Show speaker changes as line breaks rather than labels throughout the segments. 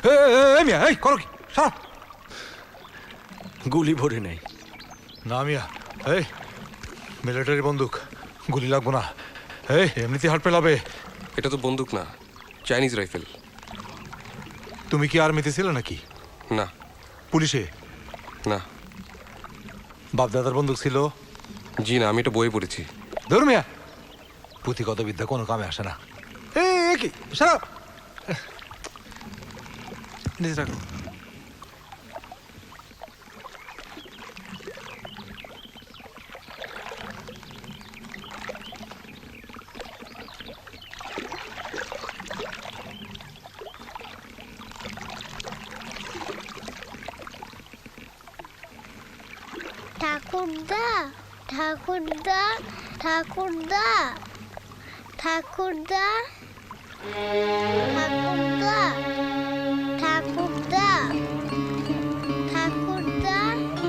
মিয়া, এই করো কি? সারা
গুলি ভরে নেই।
না মিয়া, এই মিলিটারি বন্দুক, গুলি লাগবো না। এই এমনিতে হাট পেলাবে।
এটা তো বন্দুক না, চাইনিজ রাইফেল।
তুমি কি আর্মিতে ছিলে নাকি?
না।
পুলিশে?
না।
বাপদাদার বন্দুক ছিল?
জি না, আমি এটা বইয়ে পড়েছি।
ধর মিয়া, পুঁথিগত বিদ্যা কোনো কামে আসে না। এই কি সারা নিজে রাখো।
ঠাকুরদা, ঠাকুরদা, ঠাকুরদা, ঠাকুরদা, ঠাকুরদা, ঠাকুরদা, ঠাকুরদা।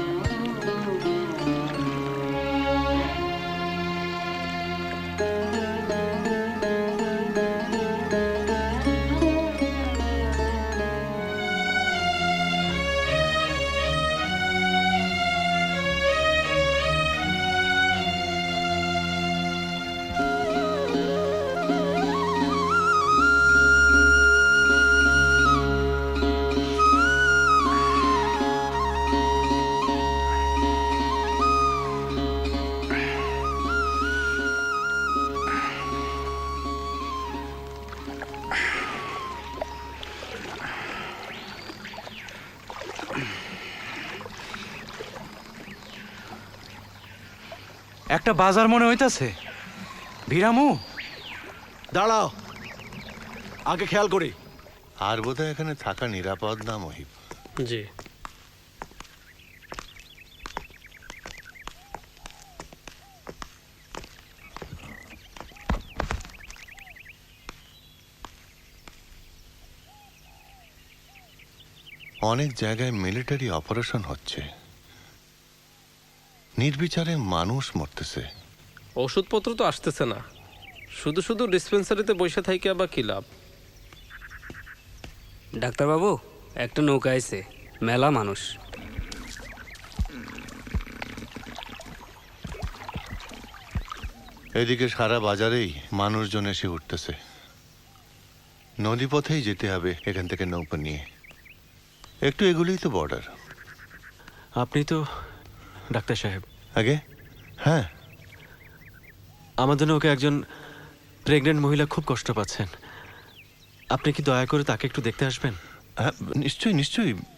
একটা বাজার মনে হইতাছে। ভিরামু,
দাঁড়াও, আগে খেয়াল করি।
আর বোধহয় এখানে থাকা নিরাপদ না মহিব।
জি।
অনেক জায়গায় মিলিটারি অপারেশন হচ্ছে, নির্বিচারে মানুষ মরতেছে।
ওষুধপত্র তো আসতেছে না, শুধু শুধু ডিসপেন্সারিতে বসে থাইকে বা কি লাভ?
ডাক্তারবাবু, একটা নৌকা আইছে, মেলা মানুষ।
এদিকে সারা বাজারেই মানুষজন এসে উঠতেছে। নদীপথেই যেতে হবে এখান থেকে নৌকা নিয়ে। একটু এগুলোই তো বর্ডার।
আপনি তো ডাক্তার সাহেব।
আগে হ্যাঁ,
আমাদের নৌকে একজন প্রেগনেন্ট মহিলা খুব কষ্ট পাচ্ছেন। আপনি কি দয়া করে তাকে একটু দেখতে আসবেন?
হ্যাঁ নিশ্চয়ই নিশ্চয়ই।